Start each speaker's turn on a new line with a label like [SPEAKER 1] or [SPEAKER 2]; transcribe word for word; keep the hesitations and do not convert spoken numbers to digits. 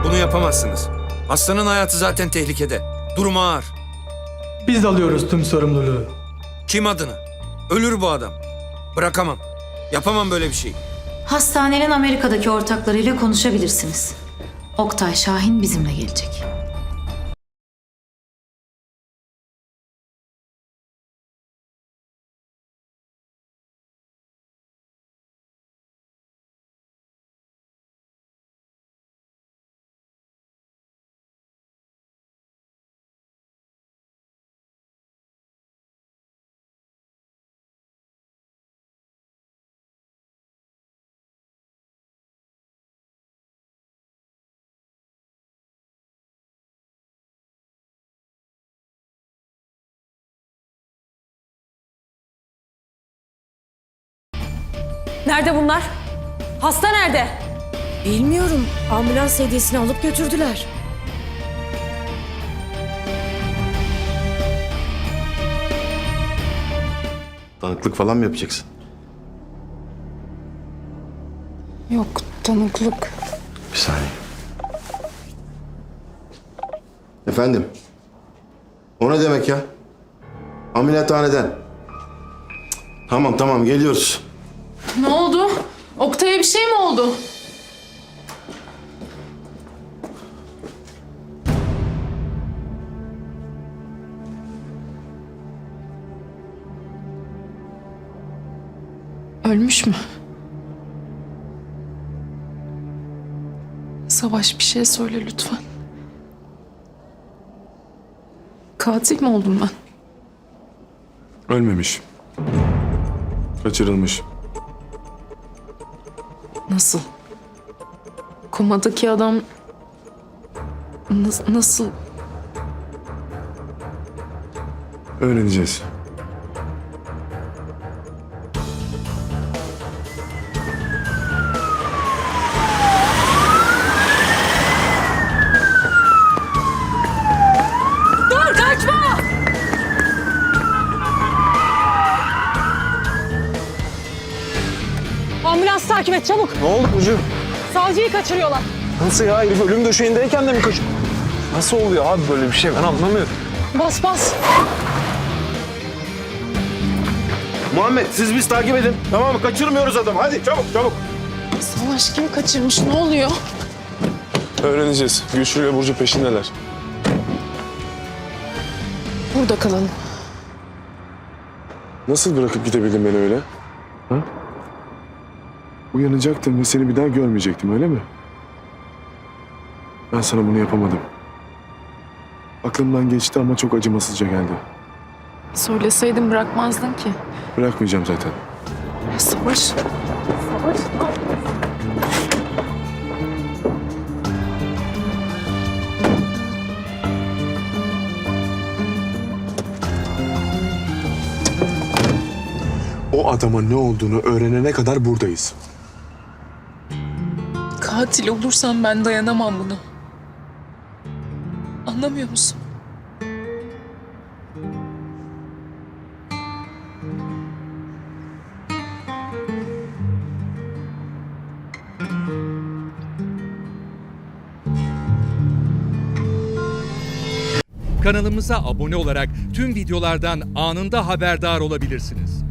[SPEAKER 1] Bunu yapamazsınız. Hastanın hayatı zaten tehlikede. Durumu ağır.
[SPEAKER 2] Biz alıyoruz tüm sorumluluğu.
[SPEAKER 1] Kim adına? Ölür bu adam. Bırakamam. Yapamam böyle bir şey.
[SPEAKER 3] Hastanenin Amerika'daki ortaklarıyla konuşabilirsiniz. Oktay Şahin bizimle gelecek.
[SPEAKER 4] Nerede bunlar? Hasta nerede?
[SPEAKER 5] Bilmiyorum. Ambulans hediyesini alıp götürdüler.
[SPEAKER 6] Tanıklık falan mı yapacaksın?
[SPEAKER 7] Yok, tanıklık.
[SPEAKER 6] Bir saniye. Efendim? O ne demek ya? Ameliyathaneden. Cık, Tamam tamam geliyoruz.
[SPEAKER 7] Ne oldu? Oktay'a bir şey mi oldu? Ölmüş mü? Savaş, bir şey söyle lütfen. Katil mi oldum ben?
[SPEAKER 8] Ölmemiş. Kaçırılmış.
[SPEAKER 7] Nasıl? Komadaki adam... Nas- nasıl?
[SPEAKER 8] Öğreneceğiz.
[SPEAKER 4] Dur kaçma! Ambulans takip et çabuk.
[SPEAKER 9] Ne oldu Burcu?
[SPEAKER 4] Savcıyı kaçırıyorlar.
[SPEAKER 9] Nasıl ya? Herif ölüm döşeğindeyken de mi kaç... Nasıl oluyor abi böyle bir şey? Ben anlamıyorum.
[SPEAKER 4] Bas bas.
[SPEAKER 6] Muhammed siz biz takip edin. Tamam mı? Kaçırmıyoruz adamı. Hadi çabuk çabuk.
[SPEAKER 7] Savaş kim kaçırmış? Ne oluyor?
[SPEAKER 8] Öğreneceğiz. Güçlü ile Burcu peşindeler.
[SPEAKER 7] Burada kalalım.
[SPEAKER 8] Nasıl bırakıp gidebildin beni öyle? Ha? Uyanacaktım ve seni bir daha görmeyecektim, öyle mi? Ben sana bunu yapamadım. Aklımdan geçti ama çok acımasızca geldi.
[SPEAKER 7] Söyleseydin bırakmazdın ki.
[SPEAKER 8] Bırakmayacağım zaten.
[SPEAKER 7] Savaş.
[SPEAKER 8] O adama ne olduğunu öğrenene kadar buradayız.
[SPEAKER 7] Katil olursam ben dayanamam buna. Anlamıyor musun?
[SPEAKER 10] Kanalımıza abone olarak tüm videolardan anında haberdar olabilirsiniz.